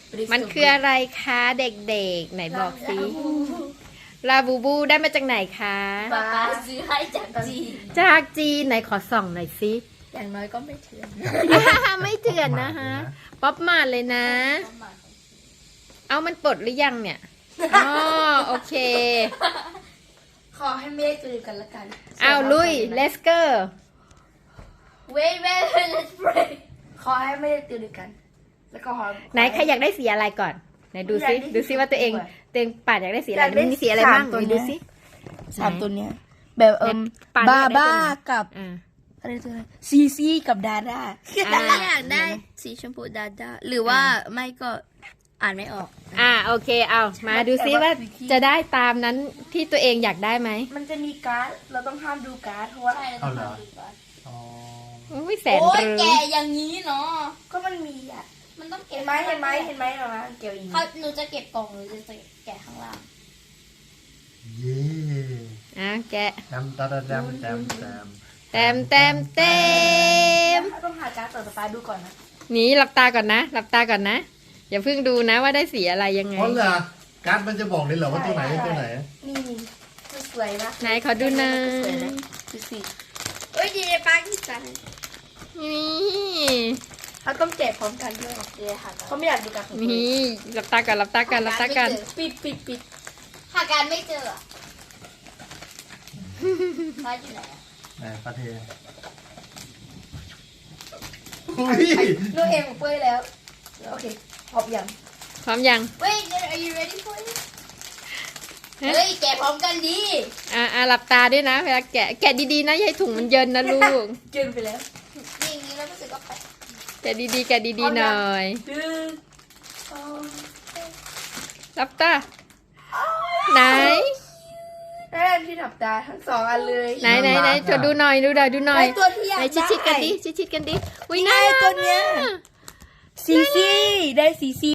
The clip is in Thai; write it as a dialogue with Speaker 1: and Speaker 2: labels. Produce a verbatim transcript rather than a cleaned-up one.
Speaker 1: มันคืออะไรคะเด็กๆไหนบอกสิลาบูบูได้มาจากไหนคะ
Speaker 2: ป๊าป๊าซื้อให้จากจีน
Speaker 1: จากจีนไหนขอส่องหน่อยสิ
Speaker 2: อย่างน้อยก็ไม่เถื่อน
Speaker 1: ไม่เถื่อนนะฮะป๊อปมาดเลยนะ เอามันปลดหรือยังเนี่ยอ๋อโอเค
Speaker 2: ขอให้ไม่ได้เจอกันละกัน
Speaker 1: เอาลุยเลสเกอร์
Speaker 2: wait wait wait let's pray ขอให้ไม่ได้เจอกัน แล้วก็ขอ
Speaker 1: ไหนใครอยากได้สีอะไรก่อนไหนดูซิ
Speaker 2: อยากได้สี
Speaker 1: ดูซิว่าตัวเอง
Speaker 2: ชมพูอะ
Speaker 1: ตัวเองปาดอยากได้สีอะไร
Speaker 2: อยากได้
Speaker 1: มันมีสีอะไรบ้าง
Speaker 2: สามตัว
Speaker 1: ไหน
Speaker 2: เนี้
Speaker 1: ดู
Speaker 2: ย
Speaker 1: ซิ
Speaker 2: สามตัวเนี้ย แบบเอิม
Speaker 1: ปาน
Speaker 2: บา
Speaker 1: อยากได้
Speaker 2: บ้า
Speaker 1: ตัวไหน
Speaker 2: กับ
Speaker 1: อ่า
Speaker 2: อะไรตัวอะไรซีซีกับดาด้า
Speaker 1: อ่า
Speaker 2: อยากได้สีชมพูดาด้าหรือว่าไม่ก็อ่านไม่ออก
Speaker 1: อ่าโอเคเอามาดูซิว่าจะได้ตามนั้นที่ตัวเองอยากได้ไหม
Speaker 2: มันจะมีการ์ดเราต้องห้ามดูการ์ดเพราะว่า
Speaker 3: เอาเหรอ อ๋อ
Speaker 1: อุ้ยแสน
Speaker 4: โอ้ย
Speaker 1: รู้
Speaker 4: แกอย่างนี้เนาะ
Speaker 2: ก็มันมีอ่ะ
Speaker 4: มันต้องเก็
Speaker 2: เห็
Speaker 4: บ
Speaker 2: นไหมเห็นไหมเห็นไหมเหรอมาเกี่ยวอีก
Speaker 4: เขาหนูจะเก็บกล่องหรือจะแกะข้างล่าง
Speaker 3: เย่
Speaker 1: อ่ะแกะ
Speaker 3: แจมตาดาแจมแจมแจม
Speaker 1: แต้มแต้มเต็ม
Speaker 2: ต้องหาการ์ดต่อไปดูก่อนนะ
Speaker 1: นี่หลับตาก่อนนะหลับตาก่อนนะอย่าเพิ่งดูนะว่าได้สีอะไรยังไง
Speaker 3: อ๋อเหรอการ์ดมันจะบอกเลยเหรอว่าตัวไหนเป็นตัวไหน
Speaker 2: นี่มันสวยนะ
Speaker 1: ไหนขอดูหน่อย
Speaker 2: สวยนะดูสิ
Speaker 4: เอ้ยดีปากีสถาน
Speaker 1: นี่
Speaker 2: เขาต้องแกะพร้อมกันด้วย
Speaker 4: เดี๋ยวหา
Speaker 2: เขาไม่อยากดูการ์ดของตัวเอง
Speaker 1: นี่หลับตาก่อนหลับตาก่อนหลับตาก่อน
Speaker 2: ปิดปิดปิด
Speaker 4: หาการไม่เจออะร้านอยู่ไหนอะ
Speaker 3: ไหนปลาเทอุ้ย
Speaker 2: ดูเองของเป้ยแล้วโอเคพร้อมยัง
Speaker 1: พร้อมยัง
Speaker 4: Wait are you ready for it เฮ้ยแกะพร้อมกันดี
Speaker 1: อ่าอ่าหลับตาด้วยนะเวลาแกะแกะดีๆนะอย่าให้ถุงมันเยินนะลูก
Speaker 2: เกินไปแล้ว
Speaker 4: นี่อย่างนี้แล้วรู้สึกว่าแปลก
Speaker 1: แกะดีๆแกะดีๆหน่อย
Speaker 2: ดึงสอง
Speaker 1: หลับตาไหน
Speaker 2: ได้ที่ถับตาทั้งสองอันเลย
Speaker 1: ไหนไหนไหนจะดูหน่อยดูหน่อยดูหน่อย
Speaker 2: ได้ตัวที่อยาก
Speaker 1: ไหน
Speaker 2: ได้
Speaker 1: ชิดๆกันดิชิดๆกันดิอุ้ย
Speaker 2: นี่ไง
Speaker 1: น่ารัก
Speaker 2: ตัวเนี้ย
Speaker 1: อะ
Speaker 2: ซีซีได้ซีซี